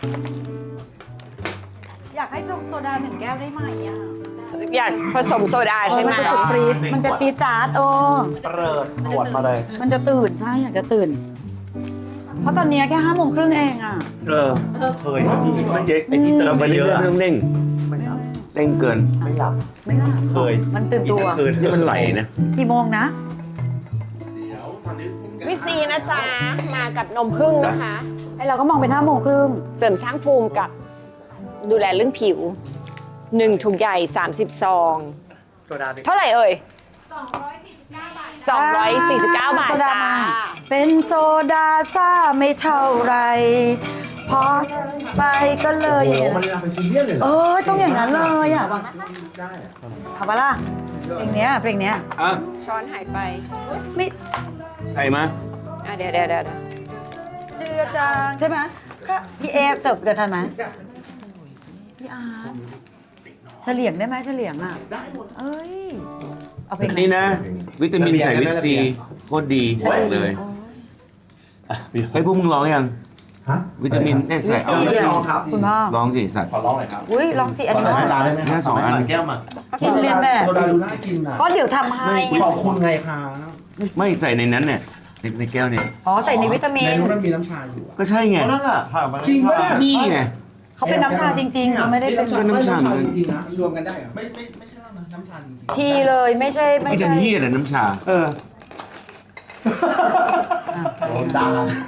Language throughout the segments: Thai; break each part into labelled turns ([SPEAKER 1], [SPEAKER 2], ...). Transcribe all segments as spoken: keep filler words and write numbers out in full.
[SPEAKER 1] อยากให้โซดาหนึ่งแก้วได้ไหมอ่ะ
[SPEAKER 2] อยากผสมโซดาใช่ไหม
[SPEAKER 1] มันจะสุดปรี๊ดมันจะจี๊ดจ๊าดโอ้
[SPEAKER 3] เปิดขวดมาเลย
[SPEAKER 1] มันจะตื่นใช่อยากจะตื่น เพราะตอนนี้แค่ห้าโมงครึ่งเองอ่ะ
[SPEAKER 4] เออ
[SPEAKER 3] เคยนะพี่ไม่เยอะไอ้ที่เติ
[SPEAKER 4] เรา
[SPEAKER 3] ม
[SPEAKER 4] ไป
[SPEAKER 3] ไป
[SPEAKER 4] เรื่
[SPEAKER 3] เย
[SPEAKER 4] อย
[SPEAKER 3] อะ
[SPEAKER 4] ๆเรื่องเร่ง
[SPEAKER 3] ไม่หลับ
[SPEAKER 4] เร่งเกิน
[SPEAKER 3] ไม่หลับ
[SPEAKER 1] ไม่ล่ะ
[SPEAKER 3] เคย
[SPEAKER 1] มันตื่นตัว
[SPEAKER 3] คืน
[SPEAKER 4] นี่มันไหลนะ
[SPEAKER 1] กี่โมงนะ
[SPEAKER 2] วิซีนะจ๊ะ มากับนมผึ้งนะคะ
[SPEAKER 1] ไอเราก็มองเป็นห้าโมงครึ่ง
[SPEAKER 2] เสริมสร้างภูมิกับดูแลเรื่องผิวหนึ่งถุงใหญ่ สามสิบ ซอง
[SPEAKER 3] โซดาเป็น
[SPEAKER 2] เท่าไหร่เอ่ย สองร้อยสี่สิบเก้า บาท
[SPEAKER 1] โซดา
[SPEAKER 2] จ้า
[SPEAKER 1] มาเป็นโซดาซ่าไม่เท่าไรพอไปก็เลยอย่างเงี้ย
[SPEAKER 3] มันเป็นซีเรียสเลยเหร
[SPEAKER 1] เอ
[SPEAKER 3] อ
[SPEAKER 1] อต้องอย่างนั้นเลยอ่ะเอาปะล่ะเพลงเนี้ยเพลงเนี้ย
[SPEAKER 4] อ่ะ
[SPEAKER 2] ช้อนหายไป
[SPEAKER 1] ไม่
[SPEAKER 4] ใส่มา
[SPEAKER 2] อ่ะเดี๋ยวเดี๋ยวเดี๋ยว
[SPEAKER 1] เจือจางใช่ไหมก็พี่เอฟเติบเกิดทันไหมพี่อาร์ตเฉลียงได้ไหมเฉลียงอ่ะได้หมดเอ้ยเอาเพลง
[SPEAKER 4] อัน
[SPEAKER 1] ไหน
[SPEAKER 4] นี้นะ วิตามินใส่วิตซีโคตรดีบอกเลยเฮ้ยพวกมึงร้องยัง
[SPEAKER 3] ฮะ
[SPEAKER 4] วิตามินเนี่ยใส่เอา
[SPEAKER 3] ลองครับ
[SPEAKER 1] คุณพ่อ
[SPEAKER 4] ร้องสิสัตว์
[SPEAKER 3] ขอร้องหน่อยครับ
[SPEAKER 1] อุ้ยลองสิอันนี้
[SPEAKER 3] ใส่ตาได้ไหม
[SPEAKER 4] แค่สองอัน
[SPEAKER 3] แก้วมา
[SPEAKER 1] กินเรียนแบบ
[SPEAKER 5] โซดาดูน่ากินอ่ะ
[SPEAKER 1] ก็เดี๋ยวทำให้
[SPEAKER 5] ขอบคุณไงคะ
[SPEAKER 4] ไม่ใส่ในนั้นเนี่ยในในแก้วเนี่ย
[SPEAKER 1] อ๋อใส่ในวิตามิ
[SPEAKER 5] ใน
[SPEAKER 1] น
[SPEAKER 5] นู้นมันมีน้ำชาอยู่อะ
[SPEAKER 4] ก็ใช่ไง
[SPEAKER 3] นั่นแหละผ่านมา
[SPEAKER 5] จริงปะเนี่ย
[SPEAKER 4] นี่ไง
[SPEAKER 1] เขาเป็นน้ำชาจริงๆเขาไม่ได้เป็น
[SPEAKER 4] ก็น้ำชาเหมือนกัน
[SPEAKER 5] จริงๆนะรวมกันได้เหรอไม่ไม่ไม่ใช่นะน้ำชาจริง
[SPEAKER 1] ทีเลยไม่ใช่ไม่
[SPEAKER 4] ไม่จะ
[SPEAKER 1] ใช่
[SPEAKER 4] เฮียแต่น้ำชา
[SPEAKER 3] เออโดนด่า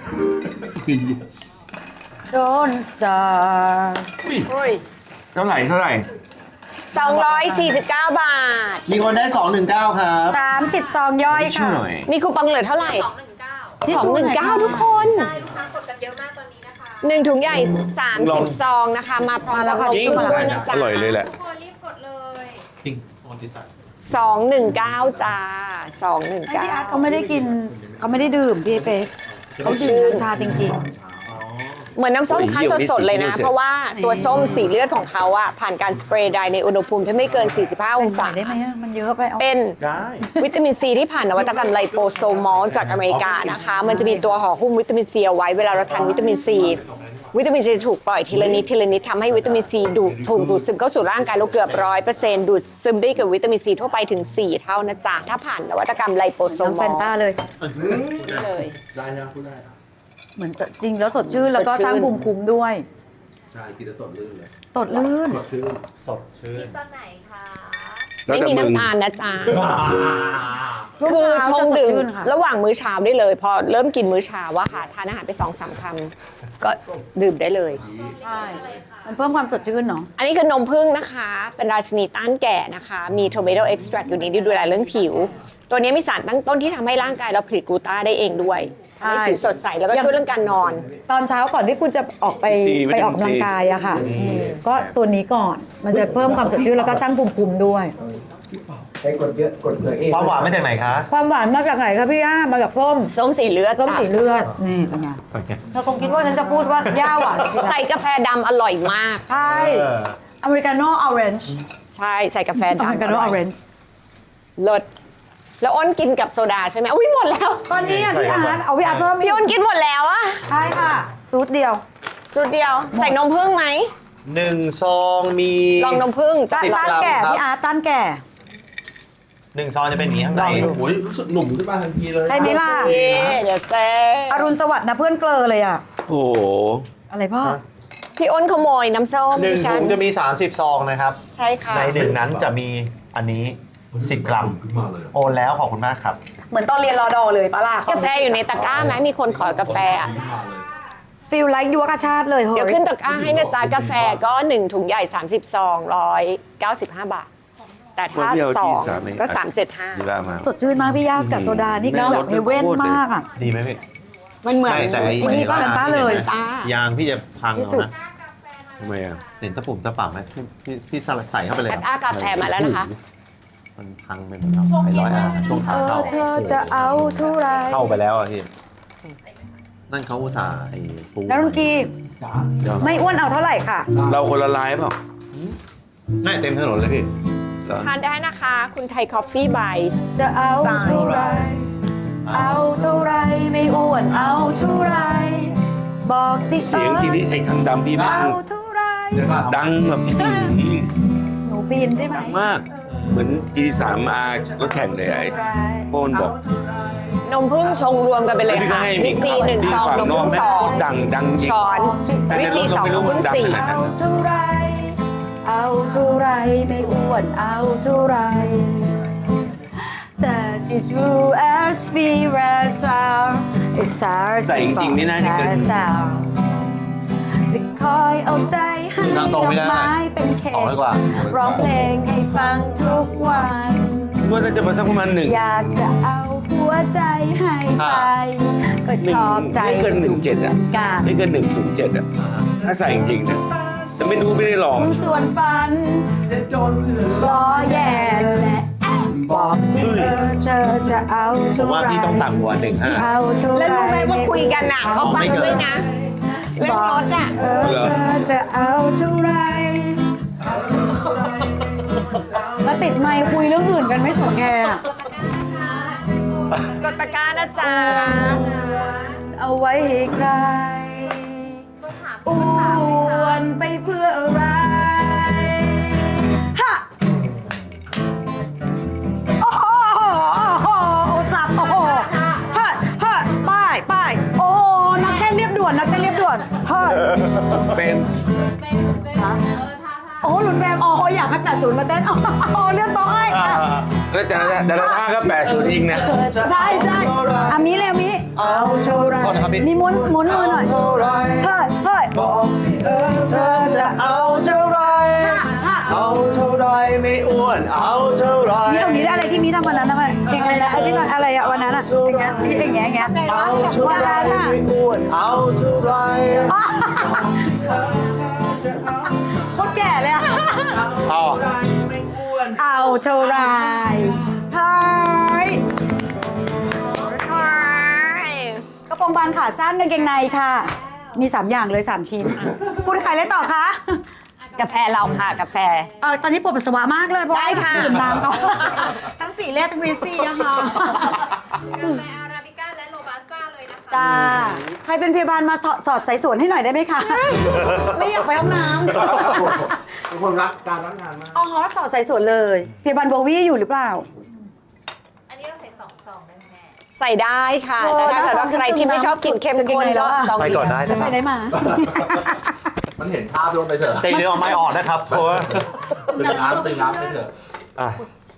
[SPEAKER 1] โดนด่า
[SPEAKER 4] อุ้ยเท่าไหร่เท่าไหร่
[SPEAKER 2] สองร้อยสี่สิบเก้า บาท
[SPEAKER 3] มีคนได้สองหนึ่งเก้าครับ
[SPEAKER 1] สามสิบซองย่อย
[SPEAKER 4] ช่ว
[SPEAKER 1] ค่ะ
[SPEAKER 4] ยหน่อย
[SPEAKER 2] มีคูปองเหลือเท่าไหร่
[SPEAKER 6] สองหนึ่งเก้า
[SPEAKER 2] สองหนึ่งเก้าทุกคน
[SPEAKER 6] ใช่ลูกค้ากดกันเยอะมากตอนนี้นะคะ
[SPEAKER 2] หนึ่งถุงใหญ่ สามสิบ ซองนะคะ มาพร้อมกับนม
[SPEAKER 4] จริง
[SPEAKER 2] ผึ้งด้วยนะจ๊ะ
[SPEAKER 4] อร่อยเลยแหละ
[SPEAKER 6] ทุกคนรีบกดเลย
[SPEAKER 3] จริงตอนที่ใส่
[SPEAKER 2] สองหนึ่งเก้าจ้าสองหนึ่ง
[SPEAKER 1] ไอ้
[SPEAKER 2] เก้า
[SPEAKER 1] พี่อาร์ตเขาไม่ได้กินเขาไม่ได้ดื่มพี่เป๊กเขาดื่มน้ำชาจริง
[SPEAKER 2] เหมือนน้ำส้มคั้นสดๆเลยนะ
[SPEAKER 4] โอ้ยเหี้ยวนี่สิ
[SPEAKER 2] เพราะว่าตัวส้มสีเลือดของเขาอะผ่านการสเปรย์ไดร์ในอุณหภูมิที่ไม่เกิน สี่สิบห้า
[SPEAKER 1] ๆ
[SPEAKER 2] องศา
[SPEAKER 1] ใส่ได้ไหมอะมันเยอะไปเอา
[SPEAKER 2] เป็น
[SPEAKER 3] ได้
[SPEAKER 2] วิตามินซีที่ผ่านนวัตกรรมไลโปโซมอลจากอเมริกานะคะ มันจะมีตัวห่อหุ้มวิตามินซีเอาไว้เวลาเราทานวิตามินซีวิตามินซีถูกปล่อยทีละนิดทีละนิดทำให้วิตามินซีดูดถูกดูดซึมเข้าสู่ร่างกายเราเกือบร้อยเปอร์เซ็นต์ดูดซึมได้กับวิตามินซีทั่วไปถึง สี่ เท่านะจ๊ะถ้าผ่านนวัตกรรมไลโปโซ
[SPEAKER 1] น้อง
[SPEAKER 2] ม
[SPEAKER 1] แฟ
[SPEAKER 2] อล
[SPEAKER 1] นต้าเลย
[SPEAKER 2] เลย
[SPEAKER 5] ได้นะพูดได้นะ
[SPEAKER 1] เหมือนจริงแล้วสดชื่นแล้วก็
[SPEAKER 2] สดชื่น
[SPEAKER 1] สร้างภูมิคุ้มด้วย
[SPEAKER 5] ใช่กินแล้วตดลื่นเลย
[SPEAKER 1] ตดลื่น
[SPEAKER 5] สดชื่น
[SPEAKER 3] สดชื่น
[SPEAKER 6] ตอนไหนคะ
[SPEAKER 4] แล้ว
[SPEAKER 2] ไม่
[SPEAKER 4] แต่
[SPEAKER 2] มี
[SPEAKER 4] มึง
[SPEAKER 2] น้ำตาลนะจ๊ะ
[SPEAKER 1] ช่วง
[SPEAKER 2] คือ
[SPEAKER 1] เช้า
[SPEAKER 2] ชง
[SPEAKER 1] จะส
[SPEAKER 2] ดื่ม
[SPEAKER 1] ชื่นค่ะ
[SPEAKER 2] ระหว่างมื้อเช้าได้เลย พอเริ่มกินมื้อเช้าว่าค่ะทานอาหารไปสองสามคำก็ดื่มได้เลย
[SPEAKER 1] ใช่มันเพิ่มความสดชื่นเนาะ
[SPEAKER 2] อันนี้คือนมผึ้งนะคะ เป็นราชินีต้านแก่นะคะ มี tomato extract อยู่ในนี้ดูแลเรื่องผิว ตัวนี้มีสารตั้งต้นที่ทำให้ร่างกายเราผลิตกลูต้าได้เองด้วยทำให้ผิวสดใสแล้วก็ช่วยเรื่องการนอน
[SPEAKER 1] ตอนเช้าก่อนที่คุณจะออกไป
[SPEAKER 4] ซีวิ
[SPEAKER 1] ไป
[SPEAKER 4] ตามิน
[SPEAKER 1] ออกกำลัง
[SPEAKER 4] ซี
[SPEAKER 1] กายอะค่ะ ก็ตัวนี้ก่อน มันจะเพิ่มความสดชื่นแล้วก็สร้างภูมิคุ้มด้วย
[SPEAKER 5] ใช้กดเยอะกดเลยเอง
[SPEAKER 3] ความหวานมาจากไหนคะ
[SPEAKER 1] ความหวานมาจากไหนคะพี่ย่ามาจากส้ม
[SPEAKER 2] ส้มสีเลือด
[SPEAKER 1] ส้ม
[SPEAKER 2] จ้ะ
[SPEAKER 1] สีเลือด นี่เป็นไงเธอคงคิดว่าฉันจะพูดว่าย่าหวาน
[SPEAKER 2] ใส่กาแฟดำอร่อยมาก
[SPEAKER 1] ใช่
[SPEAKER 3] เออ
[SPEAKER 1] อเมริกาโน่ออเรนจ์
[SPEAKER 2] ใช่ใส่กาแฟ
[SPEAKER 1] อเมริ
[SPEAKER 2] ดำ
[SPEAKER 1] กาโน่ออเรนจ์
[SPEAKER 2] เลิศแล้วอ้นกินกับโซดาใช่ไหมอุ้ยหมดแล้ว
[SPEAKER 1] ตอนนี้อะพี่อาร์ตเอาพี่อาร์ตเพิ่ม
[SPEAKER 2] พี่อ้นกินหมดแล้วอะ
[SPEAKER 1] ใช่ค่ะซูดเดียว
[SPEAKER 2] สุดเดียว ใส่นมผึ้งไหม
[SPEAKER 3] หนึ่งซองมี
[SPEAKER 2] ลองนมผึ้ง
[SPEAKER 1] ต้าน
[SPEAKER 3] สิบ
[SPEAKER 1] ต้าน
[SPEAKER 3] กรัม
[SPEAKER 1] แก่
[SPEAKER 3] ครับ
[SPEAKER 1] พี่อาร์ตต้านแก่
[SPEAKER 3] หนึ่งซองจะเป็นอย่างนี้ข้างใน
[SPEAKER 5] โอ้ยรู้สึกหนุ่มขึ้นมาทันทีเลย
[SPEAKER 1] ใช่ไหมล่ะ
[SPEAKER 2] เย่เดี๋ยวแซ่
[SPEAKER 1] อรุณสวัสดิ์นะเพื่อนเกลอเลยอะ
[SPEAKER 4] โอ้โห
[SPEAKER 1] อะไรพ่อ
[SPEAKER 2] พี่อ้นขโมยน้ำส้ม
[SPEAKER 3] หนึ่ง
[SPEAKER 2] ดิฉั
[SPEAKER 3] ถุ
[SPEAKER 2] น
[SPEAKER 3] งจะมี สามสิบ ซองนะครับ
[SPEAKER 2] ใช่ค่ะ
[SPEAKER 3] ในหนึ่งนั้นจะมีอันนี้ สิบ กรัม โอนแล้วขอบคุณมากครับ
[SPEAKER 1] เหมือนตอนเรียนรอดอเลยปะล่ะ
[SPEAKER 2] กาแฟอยู่ในตะกร้าไหมมีคนขอกาแฟอะ
[SPEAKER 1] ฟิลไลค์ยัวกระชาติเลยเฮ้ย
[SPEAKER 2] เดี๋ยวขึ้นตะกร้าให้นะจ๊ะกาแฟก็หนึ่งถุงใหญ่ สามสิบ ซองหนึ่งร้อยเก้าสิบห้า บาท แต่ถ้า
[SPEAKER 4] คนเดียว
[SPEAKER 2] สอ
[SPEAKER 4] ที่
[SPEAKER 2] ง
[SPEAKER 4] สามเอง
[SPEAKER 2] ก็สามเจ็ดห้า
[SPEAKER 4] ดีละมา
[SPEAKER 1] สดชื่นมากพี่ยาสกับโซดา นี่คือแบบเฮเว่นมากอ่ะ
[SPEAKER 3] ดีไหมพี่
[SPEAKER 2] มันเหมือน
[SPEAKER 3] ไม่แต่ไอ้
[SPEAKER 2] ที่นี่ป่ะ
[SPEAKER 1] กันต้าเลย
[SPEAKER 2] ตาย
[SPEAKER 3] างพี่จะพัง
[SPEAKER 1] ที่
[SPEAKER 3] เอา
[SPEAKER 1] สุด
[SPEAKER 3] นะ
[SPEAKER 4] ทำไมอ่ะ
[SPEAKER 3] เห็นตะปุ่มตะป่ำไหมพี่พี่พี่ใส่เข้าไปเลย
[SPEAKER 2] แอ
[SPEAKER 3] ค
[SPEAKER 2] ด
[SPEAKER 3] รับ
[SPEAKER 2] อากาแฟมาแล้วนะคะ
[SPEAKER 3] มันพังไปหมดแล้วไอ้ร้อยอาช่วงขา
[SPEAKER 1] เออ
[SPEAKER 3] เข้า
[SPEAKER 1] เธอจะเอาเท่าไร
[SPEAKER 3] เข้าไปแล้วอะพี่ นั่นเขาอุตส่าห์ไอ้ปู
[SPEAKER 1] แล้วรุ่นกีไม่อ้วนเอาเท่าไหร่ค่ะ
[SPEAKER 4] เราคนละลายเปล่า
[SPEAKER 3] ไม่เต็มถนนเลยพี่
[SPEAKER 4] เหรอ
[SPEAKER 2] ทานได้นะคะ คุณไทยคอฟฟี่บาย
[SPEAKER 1] จะเอาเท่าไร เอาเท่าไรไม่อ้วนเอาเท่าไรบอกสิ
[SPEAKER 4] เสียงทีนี้ไอ้ทางดำพี่มาก
[SPEAKER 1] เอาเท่าไร
[SPEAKER 4] ดังแบบอื้อหือ
[SPEAKER 1] หนูปีนใช่ไหม
[SPEAKER 4] มาก เหมือนจีดีสามมารถแข่งเลยไอ้โป้นบอก
[SPEAKER 2] นมพึ่งชงรวมกันไปเลย
[SPEAKER 4] พี่ก็
[SPEAKER 2] ค่ะ
[SPEAKER 4] ให้
[SPEAKER 2] วิซีหนึ่งซองนมพึ่งสอง
[SPEAKER 4] ดังดังจริง
[SPEAKER 2] ช้อน
[SPEAKER 4] แต่ใน
[SPEAKER 2] วิ
[SPEAKER 4] ร
[SPEAKER 2] ซี
[SPEAKER 4] ถ
[SPEAKER 2] ส
[SPEAKER 4] ก็
[SPEAKER 2] อง
[SPEAKER 4] ไม่
[SPEAKER 2] น
[SPEAKER 4] รู้
[SPEAKER 2] ม
[SPEAKER 4] มั
[SPEAKER 2] พึ่
[SPEAKER 4] น
[SPEAKER 2] ง
[SPEAKER 4] ดัง
[SPEAKER 2] สี่
[SPEAKER 4] ขนาดนั้น
[SPEAKER 1] เอาเท่าไรเอาเท่าไรไม่อ้วนเอาเท่าไร That is true as we rest our it's our
[SPEAKER 4] ใส่จริงๆนี่น่าจะเกิน
[SPEAKER 1] จะคอยเอาใจให้
[SPEAKER 3] นั่ง
[SPEAKER 1] ด
[SPEAKER 3] ตร
[SPEAKER 1] อง ก
[SPEAKER 3] ไม่ได้
[SPEAKER 1] ไม้เป็นเค้
[SPEAKER 3] สองร้อยกว่า
[SPEAKER 1] ร้องเพลงให้ฟังทุกวัน
[SPEAKER 4] ว่าน่าจะมาสักประมาณหนึ่ง
[SPEAKER 1] อยากจะเอาหัวใจให้ไปก็
[SPEAKER 4] หนึ่
[SPEAKER 1] ช
[SPEAKER 4] ง
[SPEAKER 1] อบใจ
[SPEAKER 4] ไม่เกินหนึ่งเจ็ดอ่ะ
[SPEAKER 1] การ
[SPEAKER 4] ไม่เกินหนึ่งศูนย์เจ็ดอ่ะ ถ้าใส่จริงๆนะแต่ไม่รู้ไม่ได้ลอง
[SPEAKER 1] ส่วนฝันรอแย่และบอกสิเออเธอจะเอา
[SPEAKER 3] ผ
[SPEAKER 1] เท่าม
[SPEAKER 3] ว่า
[SPEAKER 1] ไร
[SPEAKER 3] พี่ต้องต่ำกว่าหนึ่งห้า
[SPEAKER 1] เอาเท่าไร
[SPEAKER 2] แล้วรู้ไหมว่าคุยกันอ่ะเขาฟังด้วยนะ เรื่องรถอ่ะ
[SPEAKER 1] เออเธอจะเอาเท่าไรมาติดไมค์คุยเรื่องอื่นกันไม่ถึงแกอะ
[SPEAKER 2] กดตะกร้านะจ๊ะ
[SPEAKER 1] เอาไว้ให้ใครอ้วนไปเพื่ออะไรฮะโอ้โหโอ้โหโอ้สับโอ้โหเฮ้ยเฮ้ยป้ายป้ายโอ้โหนักเต้นเรียบด่วนนักเต้นเรียบด่วนเฮ้ย
[SPEAKER 4] เป็น
[SPEAKER 1] โอ้โหหลุนแวมอ๋ออยากให้แปดศูนย์มาเต้นอ๋อเรื่องโต๊ะไอ้
[SPEAKER 4] แล้วแต่ละแต่ละท่าก็แปดศูนย์จริงนะ
[SPEAKER 1] ใช่ใช่อามีเลยอามีเอาเท่าไร
[SPEAKER 3] โทษนะครับพี่
[SPEAKER 1] มีม้วนม้วนมือหน่อยเฮ้ยเฮ้ย
[SPEAKER 3] บอกสิเออเธอจะเอาเท่าไร เอาเท่าไรไม่อ้วน เอาเท่าไร
[SPEAKER 1] มีเอามีได้อะไรที่มีทำวันนั้นนะมันเพลงอะไรนะไอ้ที่อะไรอะวันนั้นอะอย่างเงี้ยอย่างเงี้ยอย่างเงี้ย
[SPEAKER 3] เอาเท่า
[SPEAKER 1] วัน
[SPEAKER 3] ไร
[SPEAKER 1] นั้นอะ
[SPEAKER 3] ไม่อ้วน เอาเท่าไร
[SPEAKER 1] โคตรแก่เลยอะ
[SPEAKER 3] เอา
[SPEAKER 1] เอาเท่าไรเฮ้ยกระโปรงบานขาสั้นกางเกงในค่ะ มีสามอย่างเลยสามชิ้นคุณขายอะไรต่อคะ
[SPEAKER 2] กาแฟเราค่ะกาแฟ
[SPEAKER 1] เออตอนนี้ปวดปัสสาวะมากเลยเพราะ
[SPEAKER 2] ได้ค่ะ
[SPEAKER 1] ดื่มน้ำเขาทั้งสี่เลขทั้งวีซีอะค่ะ
[SPEAKER 6] กาแฟอาราบิก้าและโรบัสต้าเลยนะคะ
[SPEAKER 1] จ้าใครเป็นพยาบาลมาสอดสายสวนให้หน่อยได้ไหมคะ ไม่อยากไปห้องน้ำ
[SPEAKER 5] เป็นคนรักการรักงานมาก
[SPEAKER 1] อ๋อสอดสายสวนเลยพยาบาลโบวี่อยู่หรือเปล่า
[SPEAKER 6] อันนี้เราใส่สองซองได้ไหมแม่
[SPEAKER 2] ใส่ได้ค่ะ แต่ถ้าเกิดว่าใครที่ไม่ชอบกินเค็มข้นก็ซอง
[SPEAKER 3] ไป
[SPEAKER 2] เดี
[SPEAKER 3] ก่
[SPEAKER 2] ย
[SPEAKER 3] อน
[SPEAKER 2] ว
[SPEAKER 3] ได้
[SPEAKER 1] จะ
[SPEAKER 3] นะค
[SPEAKER 1] ไป
[SPEAKER 3] รับ
[SPEAKER 1] ได้มา
[SPEAKER 5] มันเห็นภาพลงไปเถอะ
[SPEAKER 3] เตะเนื้อเอาไม้ออกนะครับเพราะว่า
[SPEAKER 5] ตึงน้ำตึงน้ำไปเถอะ
[SPEAKER 3] อ่ะ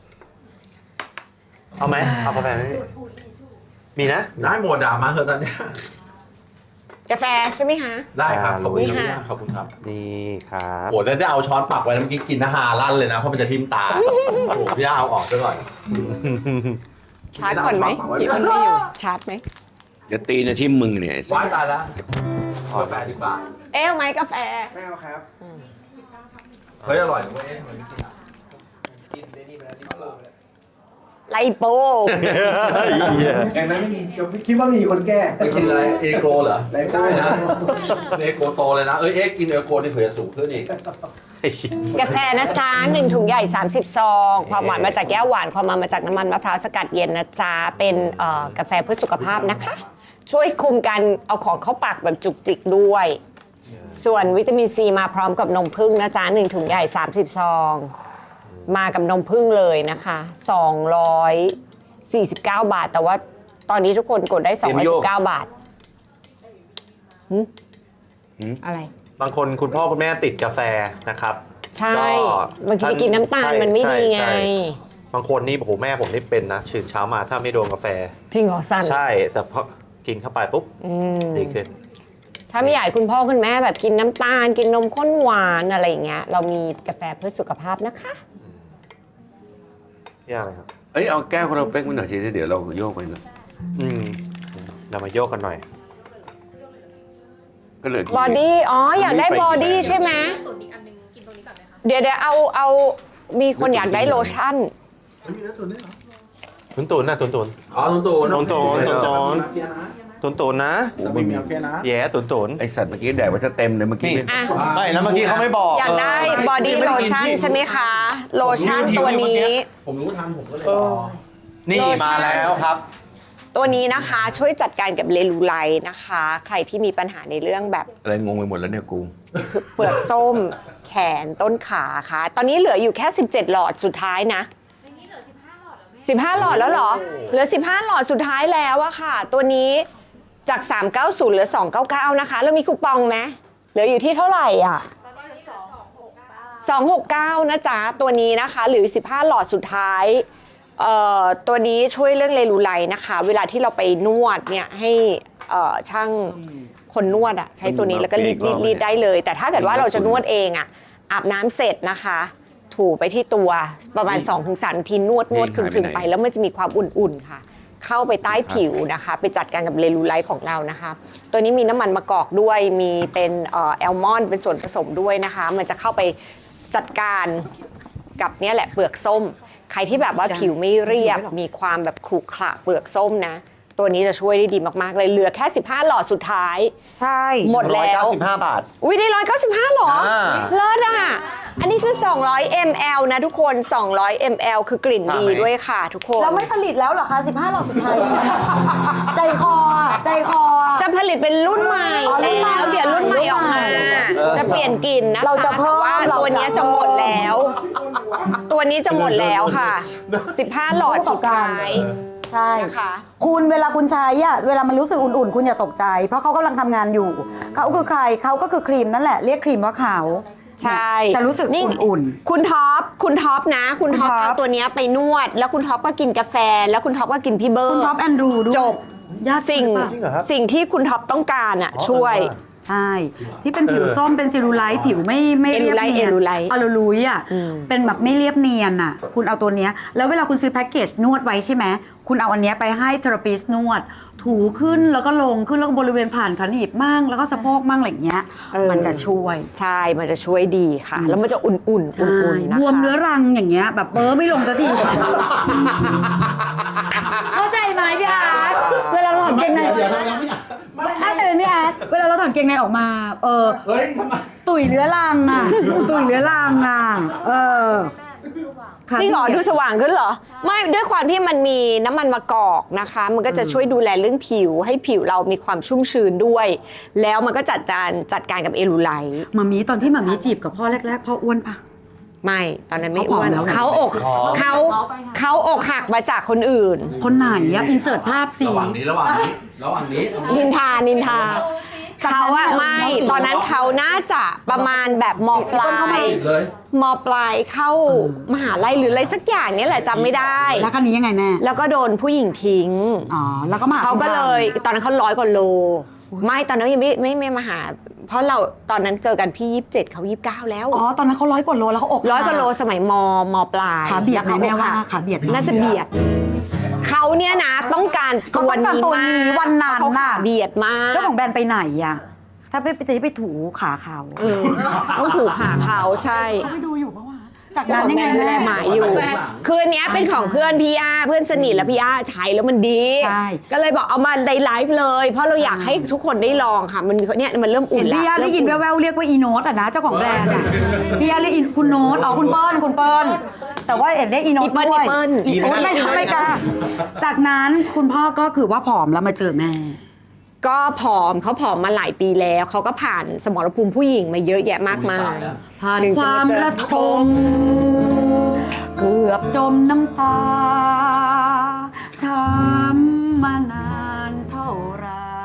[SPEAKER 3] เอาไหมเอากาแฟไหมพี่มีนะ
[SPEAKER 5] ได้หมดด่ามาเถอะตอนเนี้ย
[SPEAKER 2] กาแฟใช่ไหมคะ
[SPEAKER 5] ได้ครับ ขอบคุณ
[SPEAKER 2] นี่
[SPEAKER 5] ค
[SPEAKER 2] ค่ะ
[SPEAKER 5] รับขอบคุณครับ
[SPEAKER 3] นี่ครับ
[SPEAKER 5] โอ้แล้วได้เอาช้อนปักไว้แล้วเมื่อกี้กินนะฮาลั่นเลยนะ เพราะมันจะทิ่มตา โอ้โหพี่ย่าเอาออกซะก่อน
[SPEAKER 2] ชาร์จก่อนไหมเดี๋ยวมันไม่อยู่ ชาร์จไหม
[SPEAKER 4] เดี๋ยวตีนะที่มึงเนี่ยไอ้สั
[SPEAKER 5] ว้า
[SPEAKER 4] ส
[SPEAKER 5] ยตายแล้วกาแฟดีกว่า
[SPEAKER 2] เอ๊ะเอาไหมกาแฟ
[SPEAKER 5] ไม่เอาครับ เฮ้ยอร่อยนะเว้ยทำไมไม่กินอ่ะกินได้นี่ไปแล้วที่เรา
[SPEAKER 2] ไลโป
[SPEAKER 5] แต่นั้นไม่มีเดี๋ยวคิดว่ามีคนแก้ไปกินอะไรเอโกรเหรอได้นะเอโกรโตเลยนะ เอ้ยเอ็กกินเอโกรนี่เผื่อจะสูงขึ้นอีก
[SPEAKER 2] กาแฟนะจ๊ะหนึ่งถุงใหญ่ สามสิบ ซอง ความหวานมาจากแก้วหวาน ความมันมาจากน้ำมันมะพร้าวสกัดเย็นนะจ๊ะ เป็นเอ่อกาแฟเพื่อสุขภาพนะคะ ช่วยคุมการเอาของเข้าปากแบบจุกจิกด้วย ส่วนวิตามินซีมาพร้อมกับนมผึ้งนะจ๊ะหนึ่งถุงใหญ่ สามสิบ ซอง มากับนมผึ้งเลยนะคะสองร้อยสี่สิบเก้า บาท แต่ว่าตอนนี้ทุกคนกดได้สองร้อยสิบเก้า บาทหึอะไร
[SPEAKER 3] บางคนคุณพ่อคุณแม่ติดกาแฟนะครับ
[SPEAKER 2] ใช่
[SPEAKER 3] ก็
[SPEAKER 2] บางทีไปกินน้ำตาลมันไม่ดีไง
[SPEAKER 3] ใช่ใช่บางคนนี่โอ้โหแม่ผมนี่เป็นนะตื่นเช้ามาถ้าไม่โดนกาแฟ
[SPEAKER 2] จริงเหรอสัน
[SPEAKER 3] ใช่แต่พอกินเข้าไปปุ๊บ
[SPEAKER 2] อืม
[SPEAKER 3] ดีขึ้น
[SPEAKER 2] ถ้าไม่อยากให้คุณพ่อคุณแม่แบบกินน้ำตาล กินนมข้นหวานอะไรอย่างเงี้ยเรามีกาแฟเพื่อสุขภาพนะคะ
[SPEAKER 3] ยากเลยครับ
[SPEAKER 4] เอ้ยเอาแก้วของเราเป๊กมาหน่อยทีเดี๋ยวเราโยกไปหน่อย
[SPEAKER 3] อืมเรามาโยกกันหน่อย
[SPEAKER 4] ก็เหลือกี่
[SPEAKER 2] บอดี้ อ๋อ อยากได้บอดี้ใช่ไหม
[SPEAKER 6] ตุ๋นอีกอันนึงกินตรงนี้ก่อนไหมคะ
[SPEAKER 2] เดี๋ยวเดี๋ยวเอาเอามีคนอยากได้โลชั่น
[SPEAKER 5] ไม่มีเนื้อตุ๋นด้วยเหรอ
[SPEAKER 3] ตุนตุนนะตุนตุน
[SPEAKER 5] อ๋อตุ๋นตุ๋น
[SPEAKER 3] ตุ๋นตุ๋นตุ๋นตุ๋น
[SPEAKER 5] เฟียนะ
[SPEAKER 3] ตุนตุนนะ
[SPEAKER 5] แต่ไม่มีเฟียนะ
[SPEAKER 3] แย่ตุนตุน
[SPEAKER 4] ไอสัตว์เมื่อกี้แดกว่าจะเต็มเลยเมื่อกี้
[SPEAKER 3] นี่
[SPEAKER 2] อ่ะ
[SPEAKER 3] ไม่แล้วเมื่อกี้เขาไม่บอก
[SPEAKER 2] อยากได้บอดี้โลชั่นใช่ไหมคะ โลชั่นตัวนี้
[SPEAKER 5] ผมรู้ทันผมก็เลยรอ
[SPEAKER 3] นี่
[SPEAKER 2] โลชั่น
[SPEAKER 3] มาแล้วครับ
[SPEAKER 2] ตัวนี้นะคะช่วยจัดการกับเลลูไลท์นะคะ ใครที่มีปัญหาในเรื่องแบบ
[SPEAKER 4] อะไรงงไปหมดแล้วเนี่ยกู
[SPEAKER 2] เปลือกส้ม แขนต้นขาค่ะ ตอนนี้เหลืออยู่แค่สิบเจ็ดหลอดสุดท้ายนะสิบห้าหลอดแล้วเหรอ เหลือสิบห้าหลอดสุดท้ายแล้วอะค่ะ ตัวนี้จากสามร้อยเก้าสิบเหลือสองร้อยเก้าสิบเก้านะคะแล้วมีคูปองไหมเหลืออยู่ที่เท่าไหร่อ่ะสองร้อยหกสิบเก้านะจ๊ะตัวนี้นะคะหรือสิบห้าหลอดสุดท้ายเอ่อตัวนี้ช่วยเรื่องเลลูไลท์นะคะ เวลาที่เราไปนวดเนี่ยให้เอ่อช่างคนนวดอะใช้ตัวนี้แล้วก็รีดรีดรีดได้เลย แต่ถ้าเกิดว่าเราจะนวดเองอะอาบน้ำเสร็จนะคะถูไปที่ตัวประมาณ สองถึงสาม นาทีนวดนวดคลึงๆไปแล้วมันจะมีความอุ่นๆค่ะเข้าไปใต้ผิวนะคะไปจัดการกับเลลูไลท์ของเรานะคะตัวนี้มีน้ำมันมะกอกด้วยมีเป็นเอ่อแอลมอนด์เป็นส่วนผสมด้วยนะคะมันจะเข้าไปจัดการกับเนี่ยแหละเปลือกส้มใครที่แบบว่าผิวไม่เรียบมีความแบบขรุขระเปลือกส้มนะตัวนี้จะช่วยได้ดีมากๆเลยเหลือแค่สิบห้าหลอดสุดท้ายใช่หมดแล้ว
[SPEAKER 3] ร้อยเก้าสิบห้าบาท
[SPEAKER 2] อุ้ยได้หนึ่งร้อยเก้าสิบห้าหรอ
[SPEAKER 3] อ่า
[SPEAKER 2] เลิศอ่ะอันนี้คือสองร้อยมิลลิลิตร นะทุกคนสองร้อยมิลลิลิตร คือกลิ่นดีด้วยค่ะทุกคน
[SPEAKER 1] เราไม่ผลิตแล้วเหรอคะสิบห้าหลอดสุดท้าย ใจคออะใจคออะ
[SPEAKER 2] จะผลิตเป็นรุ่นใหม่
[SPEAKER 1] อ๋อรุ่นใหม่
[SPEAKER 2] แล้วเดี๋ยวรุ่นใหม่ออกมา
[SPEAKER 1] เออ
[SPEAKER 2] จะเปลี่ยนกลิ่นนะคะ
[SPEAKER 1] เราจะเพิ่ม
[SPEAKER 2] แต่ว่า
[SPEAKER 1] เราจะ
[SPEAKER 2] ตัวนี้จะหมดแล้ว ตัวนี้จะหมดแล้วค่ะสิบห้าหลอดสุดท้าย
[SPEAKER 1] ใช่
[SPEAKER 2] นะคะ
[SPEAKER 1] คุณเวลาคุณใช้อะเวลามันรู้สึกอุ่นๆ คุณอย่าตกใจ เพราะเขากำลังทำงานอยู่ เขาคือใครเขาก็คือครีมนั่นแหละ เรียกครีมว่าขาว
[SPEAKER 2] ใช่
[SPEAKER 1] จะรู้สึกอุ่นๆ
[SPEAKER 2] คุณท็อปคุณท็อปนะ คุณท็อป
[SPEAKER 1] คุณท็อป
[SPEAKER 2] เอาตัวเนี้ยไปนวด แล้วคุณท็อปก็กินกาแฟ แล้วคุณท็อปก็กินพี่เบิร์ด
[SPEAKER 1] คุณท็อปแอนดรูด้วย
[SPEAKER 2] จบ
[SPEAKER 1] ญาติ
[SPEAKER 2] สิ่ง
[SPEAKER 1] หรือเปล่า
[SPEAKER 3] จริงเหรอครับ
[SPEAKER 2] สิ่งที่คุณท็อปต้องการอ่ะช่วย
[SPEAKER 1] ใช่ ที่เป็นผิวส้มเป็นซิลูไลท์ผิวไม่ไม่เรียบเนียน
[SPEAKER 2] เอลูไลท์
[SPEAKER 1] อลูลุยอ่ะเป็นแบบไม่เรียบเนียนอ่ะ คุณเอาตัวเนี้ยแล้วเวลาคุณซื้อแพ็กเกจนวดไว้ใช่ไหมคุณเอาอันเนี้ยไปให้เทอราปิสต์นวด ถูขึ้นแล้วก็ลงขึ้นแล้วก็บริเวณผ่านขาหนีบมั่งแล้วก็สะโพกมั่งอะไรอย่างเงี้ย มันจะช่วย
[SPEAKER 2] ใช่มันจะช่วยดีค่ะ แล้วมันจะอุ่นๆอุ่น
[SPEAKER 1] ใช่
[SPEAKER 2] ๆนะคะ
[SPEAKER 1] บวมเนื้อรังอย่างเงี้ยแบบเบอร์ไม่ลงสักที เข้าใจไหมพี่อาร์ตเวลาเราถอดเกงใน
[SPEAKER 5] เดี๋ยวนะยังไม่อยาก
[SPEAKER 1] เข้าใจไหมพี่อาร์ตเวลาเราถอดเกงในออกมา เออ
[SPEAKER 5] เฮ้ยทำไม
[SPEAKER 1] ตุ๋ยเรื้อรังอ่ะ ตุ๋ยเรื้อรังอ่ะ เออ
[SPEAKER 2] จริงเหรอดูสว่างขึ้นเหรอ ไม่ด้วยความที่มันมีน้ำมันมะกอกนะคะ มันก็จะช่วยดูแลเรื่องผิว ให้ผิวเรามีความชุ่มชื้นด้วย แล้วมันก็จัดการจัดการกับเอลูไลท์
[SPEAKER 1] มามีตอนที่มามีจีบกับพ่อแรกๆพ่ออ้วนปะ
[SPEAKER 2] ไม่ตอนนั้นไม่
[SPEAKER 1] เขาผ
[SPEAKER 2] อ้
[SPEAKER 1] อม
[SPEAKER 2] วน
[SPEAKER 1] แล้วนะ
[SPEAKER 2] เขาอกเขาเขาอกหักมาจากคนอื่น
[SPEAKER 1] คนไหนอะอินเสิร์ตภาพสิ
[SPEAKER 5] ระหว่างนี้ระหว่างนี้ระหว่างนี้
[SPEAKER 2] นินทานินทาเขาอะไม่ ตอนนั้นเขาน่าจะประมาณแบบมปลาย
[SPEAKER 5] เลย
[SPEAKER 2] มปลายเข้ามหาลัยหรืออะไรสักอย่างเนี้แหละจำไม่ได้
[SPEAKER 1] แล้วคันนี้ยังไงแม่
[SPEAKER 2] แล้วก็โดนผู้หญิงทิ้ง
[SPEAKER 1] อ๋อ แล้วก็มาห
[SPEAKER 2] เขาก็เลย ตอนนั้นเขาร้อยกว่าโล ไม่ตอนนั้นยังไม่ไม่ไม่มาหา เพราะเราตอนนั้นเจอกันพี่ยี่สิบเจ็ดเขายี่สิบเก้าแล้ว
[SPEAKER 1] อ๋อ ตอนนั้นเขาร้อยกว่าโลแล้วเขาอก
[SPEAKER 2] ร้อยกว่าโลสมัยมมปลาย
[SPEAKER 1] ขาเบียดไหมแม่ว่าขาเบียดไหม
[SPEAKER 2] น่าจะเบียด เขาเนี่ยนะต้องการ
[SPEAKER 1] เขาต้องการตัวนี้วันนั้น
[SPEAKER 2] เขาขา
[SPEAKER 1] น่ะ
[SPEAKER 2] เบียดมาก
[SPEAKER 1] เจ้าของแบรนด์ไปไหนอะถ้าไปไปจะไปถูขาเขา
[SPEAKER 2] เออต้องถูกขาเขาใช่
[SPEAKER 1] เขาไปดูอยู่ปะวะจาก
[SPEAKER 2] เจ้า
[SPEAKER 1] นั้น
[SPEAKER 2] ของ
[SPEAKER 1] ยัง
[SPEAKER 2] แบ
[SPEAKER 1] ไง
[SPEAKER 2] รนด์ดูแล
[SPEAKER 1] แม่
[SPEAKER 2] หมาอยู่ คืออันเนี้ยเป็นของเพื่อนพี่ย่าเพื่อนสนิทแล้วพี่ย่าใช้แล้วมันดี
[SPEAKER 1] ใช่
[SPEAKER 2] ก็เลยบอกเอามาในไลฟ์เลย เพราะเราอยากให้ทุกคนได้ลองค่ะ มันเนี่ยมันเริ่มอุ่
[SPEAKER 1] เห็
[SPEAKER 2] น
[SPEAKER 1] น
[SPEAKER 2] แล้ว
[SPEAKER 1] พี่ยาได้ยินแว่วๆเรียกว่าอีโนตอะนะเจ้าของแบรนด์อะพี่ยาเรียกอีคุณโนตอ๋อคุณเปิ้ลคุณเปิ้ลแต่ว่าเห็นได้อีโนตด้วยอีโนตไม่ทำไม่กล้าจากนั้นคุณพ่อก็คือว่าผอมแล้วมาเจอแม่
[SPEAKER 2] ก็ผอมเขาผอมมาหลายปีแล้วเขาก็ผ่านสมรภูมิผู้หญิงมาเยอะแยะมากมาย
[SPEAKER 1] ผ่าน
[SPEAKER 2] ถึง
[SPEAKER 1] ค
[SPEAKER 2] จะ
[SPEAKER 1] วาม
[SPEAKER 2] เจอ
[SPEAKER 1] ระทมเกือบจมน้ำตาช้ำมานานเท่าไร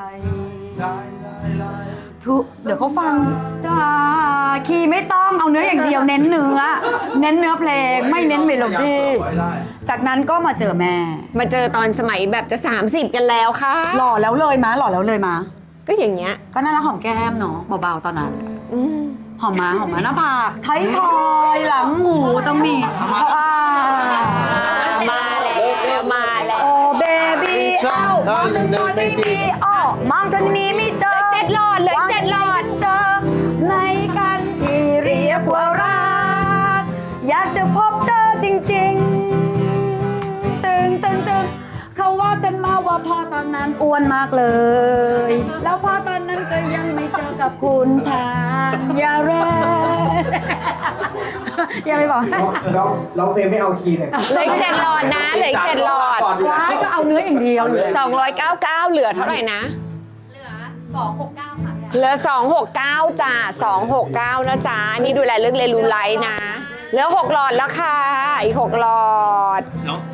[SPEAKER 1] ทุกเดี๋ยวเขาฟังดาคีย์ไม่ต้องเอาเนื้ออย่างเดียวเน้นเนื้อ เน้นเนื้อเพลงไม่เน้นเมโลดี้จากนั้นก็มาเจอแม่
[SPEAKER 2] มาเจอตอนสมัยแบบจะ สามสิบ กันแล้วค่ะ
[SPEAKER 1] หล่อแล้วเลยมะหล่อแล้วเลยมะ
[SPEAKER 2] ก็อย่างเงี้ย
[SPEAKER 1] ก็น่ารักหอมแก้มเนาะเบาๆตอนนั้นหอมมาหอมมาหน้าผากไทยทอยหลังหูต้องมีอ่า
[SPEAKER 2] มาแล้วมาแล้ว
[SPEAKER 1] โอ้เบบี้เอ้ามองทางโน้นไม่มีอ้อมองทางนี้ไม่เจอ
[SPEAKER 2] เจ็ดหลอดเลยเจ็ดหลอด
[SPEAKER 1] เจอในกันที่เรียกว่ารักอยากจะพบเจอจริงๆ ตึงตึงตึงเขาว่ากันมาว่าพ่อตอนนั้นอ้วนมากเลย แล้วพ่อตอนนั้นก็ยังไม่เจอกับคุณทางอย่าแรงอย่าไปบอก
[SPEAKER 7] ร้องร้องเพลงไม่เอาคีย์เลย
[SPEAKER 2] เหลืออีกเจ็ดหลอดนะเหลืออีกเจ็ดหลอด
[SPEAKER 1] ว้ายก็เอาเนื้ออย่างเดียวเลย
[SPEAKER 2] สองร้อยเก้าสิบเก้าเหลือเท่าไหร่นะ
[SPEAKER 6] เหลือสองหกเก้าค่ะพี่
[SPEAKER 2] เหลือสองหกเก้าจ้าสองหกเก้านะจ๊ะนี่ดูแลเรื่องเรลูไลท์นะเหลือหกหลอดแล้วค่ะอีกหกหลอด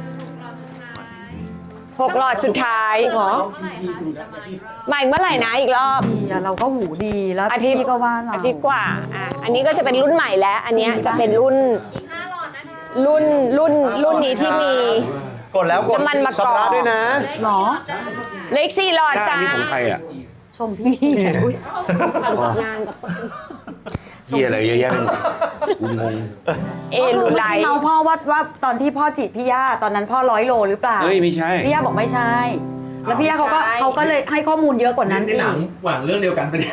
[SPEAKER 2] หกหลอดสุดท้าย
[SPEAKER 1] เหรอ
[SPEAKER 6] เมื่อไหร่คะถึงจะมาอีกรอบ
[SPEAKER 2] มาอีกเมื่อไหร่นะอีกรอบ
[SPEAKER 1] ดีอะเราก็หูดีแล้ว
[SPEAKER 2] อาทิตย์
[SPEAKER 1] พี่ก็ว่าเรา
[SPEAKER 2] อาทิตย์กว่าอ่ะอันนี้ก็จะเป็นรุ่นใหม่แล้ว อันเนี้ยจะเป็นรุ่น
[SPEAKER 6] อีกห้าหลอดนะคะ
[SPEAKER 2] รุ่นรุ่นรุ่นนี้ที่มี
[SPEAKER 3] กดแล้วกด
[SPEAKER 2] น้ำมันมะกอก
[SPEAKER 3] ชำระด้วยนะ
[SPEAKER 1] หรอ
[SPEAKER 2] เหล็กสี่หลอดจ้า
[SPEAKER 4] นี่ของใครอ่ะ
[SPEAKER 1] ชมพี่อุ๊ย
[SPEAKER 2] งานกับ
[SPEAKER 4] เฮียอะไรเยอะแยะไปหมดกูงง
[SPEAKER 2] เอ
[SPEAKER 1] ก็คื
[SPEAKER 2] ลู
[SPEAKER 1] อ
[SPEAKER 2] ไล
[SPEAKER 1] เมื่อกี้
[SPEAKER 2] ท์
[SPEAKER 1] เมาพ่อว่าว่าตอนที่พ่อจีบพี่ย่าตอนนั้นพ่อร้อยโลหรือเปล่า
[SPEAKER 4] เฮ้ยไม่ใช่
[SPEAKER 1] พี่ย่าบอกไม่ใช่ แล้วพี่ย่าเขาก็เขาก็เลยให้ข้อมูลเยอะกว่านั้น
[SPEAKER 5] ใน
[SPEAKER 1] อี
[SPEAKER 5] หนั
[SPEAKER 1] ก
[SPEAKER 5] งหวังเรื่องเดียวกันไปเนี่ย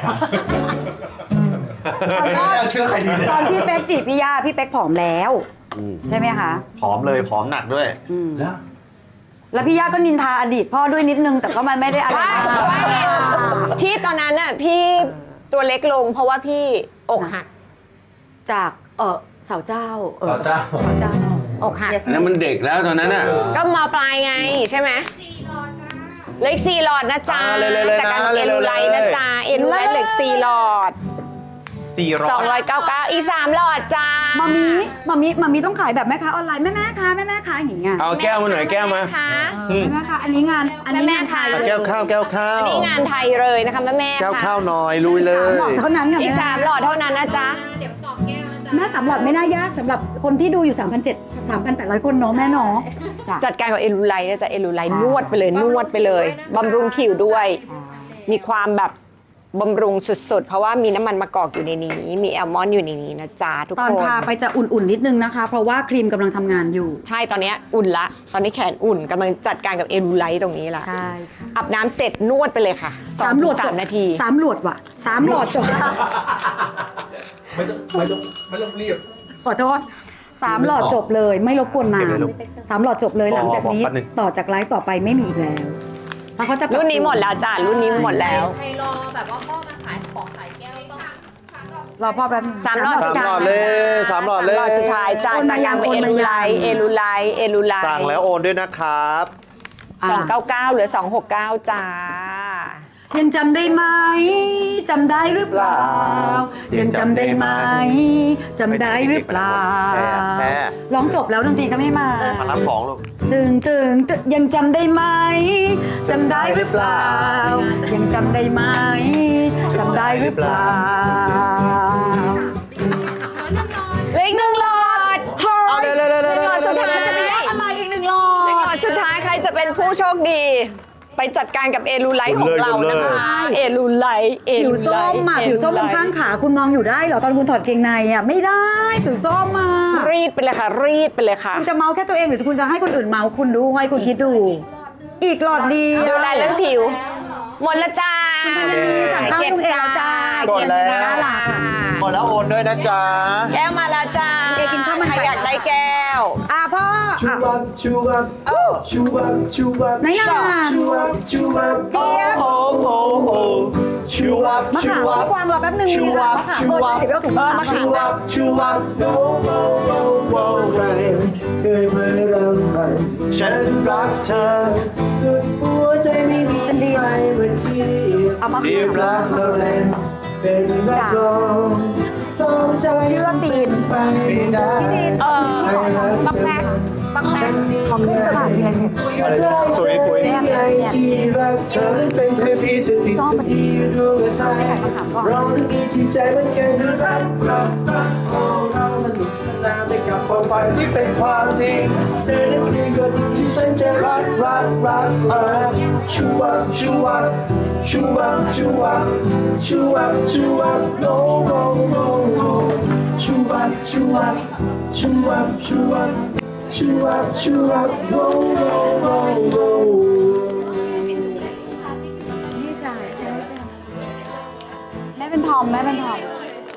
[SPEAKER 1] ตอน
[SPEAKER 5] ไม่
[SPEAKER 1] พ่อ
[SPEAKER 5] น่าเชื่อใครดีเนี่ย
[SPEAKER 1] ตอนพี่เป๊กจีบพี่ย่าพี่เป๊กผอมแล้ว ใช่ไหมคะ
[SPEAKER 3] ผอมเลยผอมหนักด้วย
[SPEAKER 5] แล้ว
[SPEAKER 1] แล้วพี่ย่าก็นินทาอดีตพ่อด้วยนิดนึงแต่ก็มันไม่ได้อะไร
[SPEAKER 2] ว่า
[SPEAKER 1] มา
[SPEAKER 2] ว่าไง
[SPEAKER 1] ก
[SPEAKER 2] ที่ตอนนั้นน่ะพี่ตัวเล็กลงเพราะว่าพี่อกหัก
[SPEAKER 1] จากเออสาวเจ้าเออ
[SPEAKER 5] สาวเจ้า
[SPEAKER 1] สาวเจ้า
[SPEAKER 2] อกหัก
[SPEAKER 4] อันนั้นมันเด็กแล้วตอนนั้นอ่ะ
[SPEAKER 2] ก็มาปลายไงใช่ไหมเหล็กสี่หลอดนะจ๊ะ
[SPEAKER 3] อ่าเร็วๆเลยนะ
[SPEAKER 2] จากการเอลูไลท์นะจ๊ะเอลูไลท์เหล็กสี่หลอด
[SPEAKER 3] สี่ร้
[SPEAKER 2] ส
[SPEAKER 3] อ
[SPEAKER 2] อง
[SPEAKER 3] ย
[SPEAKER 2] ร้อยเก้าสิบเก้าอีกสามหลอดจ้า
[SPEAKER 1] มามีมามีมามีต้องขายแบบแม่ค้าออนไลน์แม่แม่ค้าแม่แม่ค้าอย่างเงี้ย
[SPEAKER 4] เอาแก้วมาหน่อยแก้วมา
[SPEAKER 2] คะ
[SPEAKER 1] เออแม่แม่ค้าอันนี้งานอันนี้
[SPEAKER 2] แม่
[SPEAKER 1] งาน
[SPEAKER 2] ๆ
[SPEAKER 1] ไทย
[SPEAKER 2] ค่ะ
[SPEAKER 3] แก้วข้าวแก้วข้าว
[SPEAKER 2] อันนี้งานไทยเลยนะคะแม่แม่ๆ
[SPEAKER 3] แก้ว
[SPEAKER 2] ค่ะ
[SPEAKER 3] ข้าวหน่อยลุยเล
[SPEAKER 1] สาม
[SPEAKER 3] ย
[SPEAKER 1] หลอดเท่านั้นค่ะ
[SPEAKER 2] อีก
[SPEAKER 1] แม่
[SPEAKER 2] สามหลอดเท่านั้นนะจ๊ะ
[SPEAKER 6] เดี๋ยวตอบแก้วนะจ๊ะ
[SPEAKER 1] แม่สามหลอดไม่น่ายากสำหรับคนที่ดูอยู่ 3,700 3,800 คนเนาะแม่เนาะจ้ะ
[SPEAKER 2] จัดการกับเอลูไลท์นะจ๊ะเอลูไลท์
[SPEAKER 1] ใช่
[SPEAKER 2] นวดไปเลยนวดไปเลยบำรุงผิวด้วย มีความแบบบำรุงสุดๆ เพราะว่ามีน้ำมันมะกอกอยู่ในนี้ มีแอลมอนด์อยู่ในนี้นะจ๊ะทุก
[SPEAKER 1] ตอน
[SPEAKER 2] คน
[SPEAKER 1] ทาไปจะอุ่นๆนิดนึงนะคะ เพราะว่าครีมกำลังทำงานอยู่
[SPEAKER 2] ใช่ตอนเนี้ยอุ่นละ ตอนนี้แขนอุ่นกำลังจัดการกับเอลูไลท์ตรงนี้ละ
[SPEAKER 1] ใช่ค่ะ
[SPEAKER 2] อาบน้ำเสร็จนวดไปเลยค่ะสอง
[SPEAKER 1] สามหล
[SPEAKER 2] ถึ
[SPEAKER 1] วด
[SPEAKER 2] งสามนาที
[SPEAKER 1] สามหลวดว่ะสามหลอดจบ
[SPEAKER 5] ไม่ต้องไม่ต้องไม่ต้องรีบ
[SPEAKER 1] ขอโทษสามหลอดจบเลย ไม่รบกวนนานสามหลอดจบเลยหลังจากนี้
[SPEAKER 3] บอกแป๊บนึง
[SPEAKER 1] ต่อจากไลฟ์ต่อไปไม่มีอีกแล้วเพราะเขาจะปบ
[SPEAKER 2] รุ่นนี้หมดแล้วจ้ะรุ่นนี้หมดแล้ว
[SPEAKER 6] ใครรอแบบว่าพ่อมาขายของขายแก้วต้องสามดอก
[SPEAKER 1] รอพ่อแป๊บนึง
[SPEAKER 2] สามหลอด
[SPEAKER 3] สา
[SPEAKER 2] สุ
[SPEAKER 3] ม
[SPEAKER 2] ด
[SPEAKER 3] หล
[SPEAKER 2] ท้า
[SPEAKER 3] อย ดเลยสามหลอดเลย
[SPEAKER 2] สามหลอดสุดท้ายจ้ะจากการเป็นเอลูไลท์เอลูไลท์เอลูไลท์
[SPEAKER 3] สั่งแล้วโอนด้วยนะครับ
[SPEAKER 2] สองเก้าเก้าเหลือสองหกเก้าจ้า
[SPEAKER 1] ยังจำได้ไหมจำได้หรือเปล่า ยังจำได้ไหมจำได้หรือเปล่า
[SPEAKER 3] แพ้แพ้
[SPEAKER 1] ร้องจบแล้วดนตรีก็ไม่มา
[SPEAKER 3] มารับของลูก
[SPEAKER 1] ตึงตึงตึงยังจำได้ไหมจำได้หรือเปล่า ยังจำได้ไหมจำได้หรือเปล่า
[SPEAKER 2] เหลืออีกหนึ่งหลอด
[SPEAKER 3] เอาเร็วเร็วเร็ว
[SPEAKER 2] ห
[SPEAKER 3] เร็
[SPEAKER 2] นึ่งหลอดสุด
[SPEAKER 3] ว
[SPEAKER 2] ท้าย
[SPEAKER 1] จะมีอะไรอีกหนึ่งหลอ
[SPEAKER 2] หนึ่งหลอ
[SPEAKER 1] ด
[SPEAKER 2] ดสุดท้ายใครจะเป็นผู้โชคดี ไปจัดการกับเอลูไลท์ของเรานะคะ เอลูไลท์เอ
[SPEAKER 1] ผิว
[SPEAKER 2] ลู
[SPEAKER 1] ส้
[SPEAKER 2] ไล
[SPEAKER 1] ม
[SPEAKER 2] ท์
[SPEAKER 1] อ่ะผิวส้มบนข้างขาคุณมองอยู่ได้เหรอตอนคุณถอดเกงในอ่ะไม่ได้ผิวส้มอ่ะ
[SPEAKER 2] รีดไปเลยค่ะ รีดไปเลยค่ะ
[SPEAKER 1] คุณจะเมาแค่ตัวเองหรือคุณจะให้คนอื่นเมาคุณดูไว้คุณคิดดู อีกหลอดเดียว
[SPEAKER 2] ดูแลเรื่องผิว หมดละจ้า
[SPEAKER 1] คุณธัญนีสั่งข้าวให้ลุงเอแล้วจ้า
[SPEAKER 3] กด
[SPEAKER 2] เก็บ
[SPEAKER 3] แล้ว
[SPEAKER 2] จ้า
[SPEAKER 3] หมดแล้วโอนด้วยนะจ๊ะ
[SPEAKER 2] แก้วมาแล้วจ้า
[SPEAKER 1] เอกินข้าวมันไก่
[SPEAKER 2] ใครอยากได้แก้ว
[SPEAKER 1] อ่ะพ่อ
[SPEAKER 7] ชู
[SPEAKER 1] อ่ะ
[SPEAKER 7] วับชูวับชูวับชูวับ
[SPEAKER 1] ไหนอ่ะ
[SPEAKER 7] ชูวับชูวับ
[SPEAKER 1] เจี๊ยบ
[SPEAKER 3] โอ้โหโอ้ชูวับ
[SPEAKER 1] มะ
[SPEAKER 3] ชู
[SPEAKER 1] ขาม
[SPEAKER 3] วับ
[SPEAKER 1] กวางรอแป๊บนึง
[SPEAKER 3] ชู
[SPEAKER 1] มี
[SPEAKER 3] วั
[SPEAKER 1] ค่ะ
[SPEAKER 3] บ
[SPEAKER 1] มะขาม
[SPEAKER 3] ชู
[SPEAKER 1] เออ
[SPEAKER 3] วับ
[SPEAKER 1] เดี๋ยวไปเอาถุงมะขาม
[SPEAKER 3] ชูวับชูวับโอ้โอ้โอ้โอ้
[SPEAKER 7] ใครเคยไม่รำพัน
[SPEAKER 3] ฉันรักเธอ
[SPEAKER 7] สุดหัวใจไม่มีจะดีไปเมื่อที่
[SPEAKER 1] เอามะ
[SPEAKER 3] ที่
[SPEAKER 1] ขาม
[SPEAKER 3] รัก
[SPEAKER 7] เราแลนเป็นรักรองสองใจ
[SPEAKER 1] เลือดตีน
[SPEAKER 7] ไปได้
[SPEAKER 2] เออบักแม็กบักแม็ก
[SPEAKER 1] ของขึ้นตลาดเนี่ย
[SPEAKER 3] อะไรนะคุยคุย
[SPEAKER 7] ไงที่รักเธอนั้นเป็นเพียงพี่จะติดที่ดูกระทายเราจะมีจิตใจเหมือนกันคือรักรักรักโอ้เราสนุกสนานไปกับความฝันที่เป็นความจริงเธอนั้นคือคนที่ฉันจะรักรักรักเออชูวับชูวับชูวับชูวับชูวับชูวับโอ้โอ้โอ้โอ้ชูวับชูวับชูวับชูวับชูวับชูวับโอ้โอ้โอ้โอ้
[SPEAKER 1] นี่จ่ายแม่เป็นทอมแม่เป็นทอม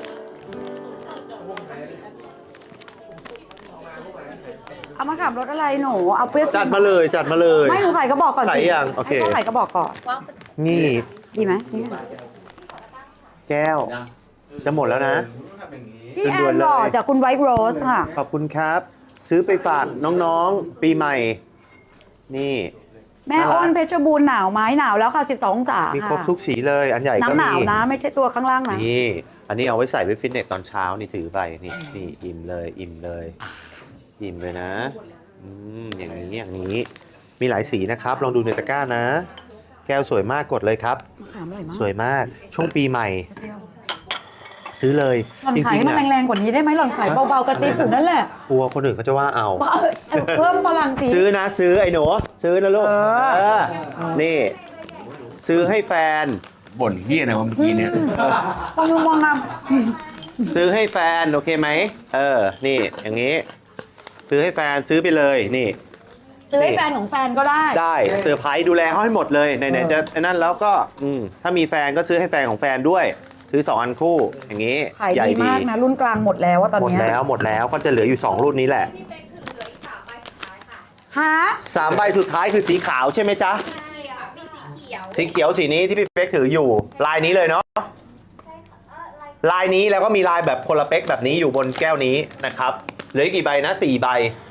[SPEAKER 1] เอามะขามรสอะไรหนูเอาเปรี้ยว
[SPEAKER 3] จัดมาเลยจัดมาเลย
[SPEAKER 1] ไม่หนูใส่ก็บอกก่อนสิ
[SPEAKER 3] ใส่ยังโอเค
[SPEAKER 1] ให้พ่ใส่ก็บอกก่อน
[SPEAKER 3] นี่
[SPEAKER 1] ดีไหมนี่
[SPEAKER 3] แก้ว จะหมดแล้วนะ
[SPEAKER 1] พพี่แอ
[SPEAKER 3] ด่วน
[SPEAKER 1] น
[SPEAKER 3] ๆเล
[SPEAKER 1] หล่อย จากคุณไวท์โรสค่ะ
[SPEAKER 3] ขอบคุณครับ ซื้อไปฝากน้องๆ ปีใหม่ นี่
[SPEAKER 1] แม่อ้นเพชรบูรณ์หนาวไหมหนาวแล้วค่ะ สิบสอง องศา
[SPEAKER 3] มี
[SPEAKER 1] ค่ะ
[SPEAKER 3] ครบทุกสีเลย อันใหญ่ก็
[SPEAKER 1] น้ำห
[SPEAKER 3] มี
[SPEAKER 1] นาวนะ ไม่ใช่ตัวข้างล่างนะ
[SPEAKER 3] นี่ อันนี้เอาไว้ใส่ไปฟิตเนสตอนเช้านี่ถือไปนี่นี่อิ่มเลยอิ่มเลยอิ่มเลยนะอืมอย่างนี้อย่างนี้ มีหลายสีนะครับ ลองดูในตะกร้านะ แก้วสวยมากกดเลยครับ
[SPEAKER 1] มะขามอร่อยมาก
[SPEAKER 3] สวยมากช่วงปีใหม่ ซื้อเลย
[SPEAKER 1] หล่อน
[SPEAKER 3] จ
[SPEAKER 1] ขาย
[SPEAKER 3] ริ
[SPEAKER 1] ให้
[SPEAKER 3] งๆ
[SPEAKER 1] มัน
[SPEAKER 3] นะ
[SPEAKER 1] แรงๆกว่านี้ได้ไหมหล่อนขายเบาๆกระซิบอยู่นั่นแหละ
[SPEAKER 3] กลัวคนอื่นเขาจะว่าเอา
[SPEAKER 1] เออเออเพิ่มพลังสิ
[SPEAKER 3] ซื้อนะซื้อไอ้หนูซื้อนะลูก
[SPEAKER 1] เออ
[SPEAKER 3] เออนี่ ซื้อให้แฟน
[SPEAKER 4] บ่นเฮียนะว่าเมื่อกี้เนี่ย
[SPEAKER 1] มองมองงาม
[SPEAKER 3] ซื้อให้แฟนโอเคไหมเออนี่อย่างนี้ ซื้อให้แฟนซื้อไปเลยนี่
[SPEAKER 1] ซื้อให้แฟนของแฟนก็ได้
[SPEAKER 3] ได้เซอร์ไพรส์ดูแลเขาให้หมดเลยไหนๆจะไอ้นั่นแล้วก็อืมถ้ามีแฟนก็ซื้อให้แฟนของแฟนด้วย ซื้อสองอันคู่อย่างนี้
[SPEAKER 1] ขาย
[SPEAKER 3] ใหญ่
[SPEAKER 1] ดีมากนะ รุ่นกลางหมดแล้วว่าตอน
[SPEAKER 3] หมด
[SPEAKER 1] เนี้ย
[SPEAKER 3] แล้วหมดแล้วก็จะเหลืออยู่สองรุ่นนี้แหละ
[SPEAKER 6] พี่เป๊กถือเหลืออีกสามใบสุดท้ายค่ะ
[SPEAKER 1] ฮะ
[SPEAKER 3] สามใบสุดท้ายคือสีขาวใช่ไหมจ๊ะ
[SPEAKER 6] ใช่ค่ะ มีสีเขียว
[SPEAKER 3] สีเขียวสีนี้ที่พี่เป๊กถืออยู่ ลายนี้เลยเนาะ
[SPEAKER 6] ใช่ค่ะเออลาย
[SPEAKER 3] ลายนี้แล้วก็มีลายแบบคนละเป๊กแบบนี้อยู่บนแก้วนี้นะครับเหลืออีกกี่ใบนะสี่ใบ
[SPEAKER 6] ใ